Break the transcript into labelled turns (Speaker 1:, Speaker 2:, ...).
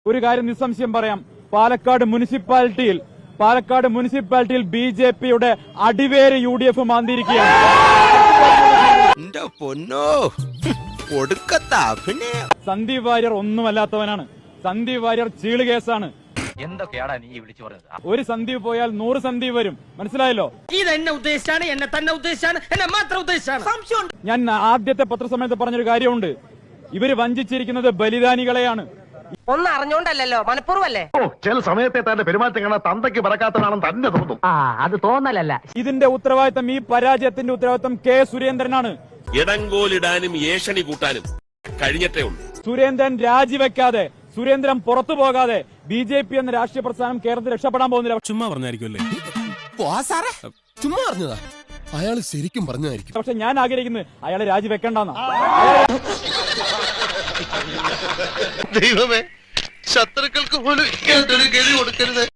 Speaker 1: ഒരു കാര്യം നിസ്സംശയം പറയാം, പാലക്കാട് മുനിസിപ്പാലിറ്റിയിൽ BJP-യുടെ അടിവേര് UDF മാന്തിയിരിക്കുകയാണ്. സന്ദീപ് വാര്യർ ഒന്നുമല്ലാത്തവനാണ്. സന്ദീപ് വാര്യർ ചീള് കേസാണ്.
Speaker 2: എന്തൊക്കെയാടാ നീ വിളിച്ചു പറഞ്ഞത്?
Speaker 1: ഒരു സന്ദീപ് പോയാൽ 100 സന്ദീപ് വരും. മനസ്സിലായല്ലോ?
Speaker 3: ഇത് എന്നെ ഉദ്ദേശിച്ചാണ്, എന്നെ തന്നെ ഉദ്ദേശിച്ചാണ്, എന്നെ മാത്രം ഉദ്ദേശിച്ചാണ്.
Speaker 1: ഞാൻ ആദ്യത്തെ പത്രസമ്മേളനത്തിൽ പറഞ്ഞൊരു കാര്യമുണ്ട്. ഇവര് വഞ്ചിച്ചിരിക്കുന്നത് ബലിദാനികളെയാണ്.
Speaker 3: ഒന്നും അറിഞ്ഞോണ്ടല്ലോ, മനഃപൂർവ്വല്ലേ?
Speaker 4: ചില സമയത്തെ തന്റെ പെരുമാറ്റം കാണാൻ തന്തയ്ക്ക് പറക്കാത്തതാണെന്ന് തന്നെ തോന്നും.
Speaker 3: അത് തോന്നലല്ല.
Speaker 1: ഇതിന്റെ ഉത്തരവാദിത്തം, ഈ പരാജയത്തിന്റെ ഉത്തരവാദിത്തം കെ സുരേന്ദ്രനാണ്.
Speaker 5: ഇടങ്കോലിടാനും ഏഷണി കൂട്ടാനും കഴിഞ്ഞിട്ടേ ഉള്ളൂ.
Speaker 1: സുരേന്ദ്രൻ രാജിവെക്കാതെ, സുരേന്ദ്രൻ പുറത്തു പോകാതെ BJP എന്ന രാഷ്ട്രീയ പ്രസ്ഥാനം കേരളത്തിൽ രക്ഷപ്പെടാൻ പോകുന്നില്ല.
Speaker 6: ചുമ്മാ പറഞ്ഞായിരിക്കുമല്ലേ? ചുമ്മാ പറഞ്ഞതാ. അയാൾ ശരിക്കും പറഞ്ഞതായിരിക്കും.
Speaker 1: പക്ഷെ ഞാൻ ആഗ്രഹിക്കുന്നത് അയാളെ രാജിവെക്കണ്ടെന്നാ.
Speaker 4: ദൈവമേ, ശത്രുക്കൾക്ക് പോലും ഗതി കൊടുക്കരുത്.